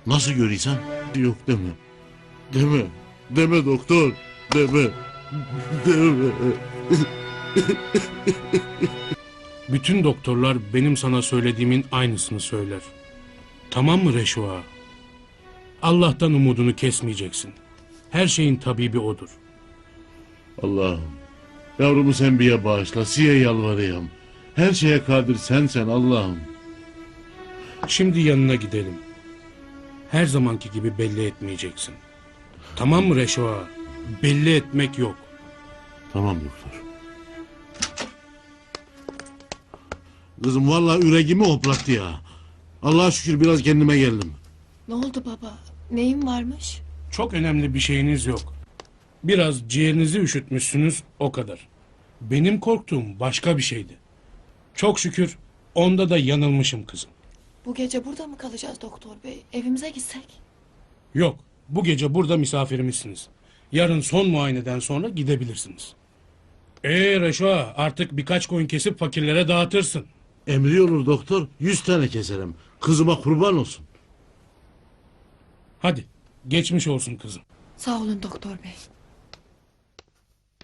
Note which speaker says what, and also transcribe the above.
Speaker 1: Nasıl görüyorsan? Yok deme. Deme. Deme doktor. Deme. Deme.
Speaker 2: Bütün doktorlar benim sana söylediğimin aynısını söyler. Tamam mı Reşo ağa? Allah'tan umudunu kesmeyeceksin. Her şeyin tabibi odur.
Speaker 1: Allah'ım. Yavrumu sen bir bağışla. Siye yalvarayım. Her şeye kadir sensen Allah'ım.
Speaker 2: Şimdi yanına gidelim. Her zamanki gibi belli etmeyeceksin. Tamam mı Reşo ağa? Belli etmek yok.
Speaker 1: Tamam doktor. Kızım vallahi yüreğimi hoplattı ya. Allah'a şükür biraz kendime geldim.
Speaker 3: Ne oldu baba? Neyin varmış?
Speaker 2: Çok önemli bir şeyiniz yok. Biraz ciğerinizi üşütmüşsünüz, o kadar. Benim korktuğum başka bir şeydi. Çok şükür onda da yanılmışım kızım.
Speaker 3: Bu gece burada mı kalacağız doktor bey? Evimize gitsek?
Speaker 2: Yok, bu gece burada misafirimizsiniz. Yarın son muayeneden sonra gidebilirsiniz. Reşo ağa, artık birkaç koyun kesip fakirlere dağıtırsın.
Speaker 1: Emri olur doktor. 100 tane keserim. Kızıma kurban olsun.
Speaker 2: Hadi, geçmiş olsun kızım.
Speaker 3: Sağ olun doktor bey.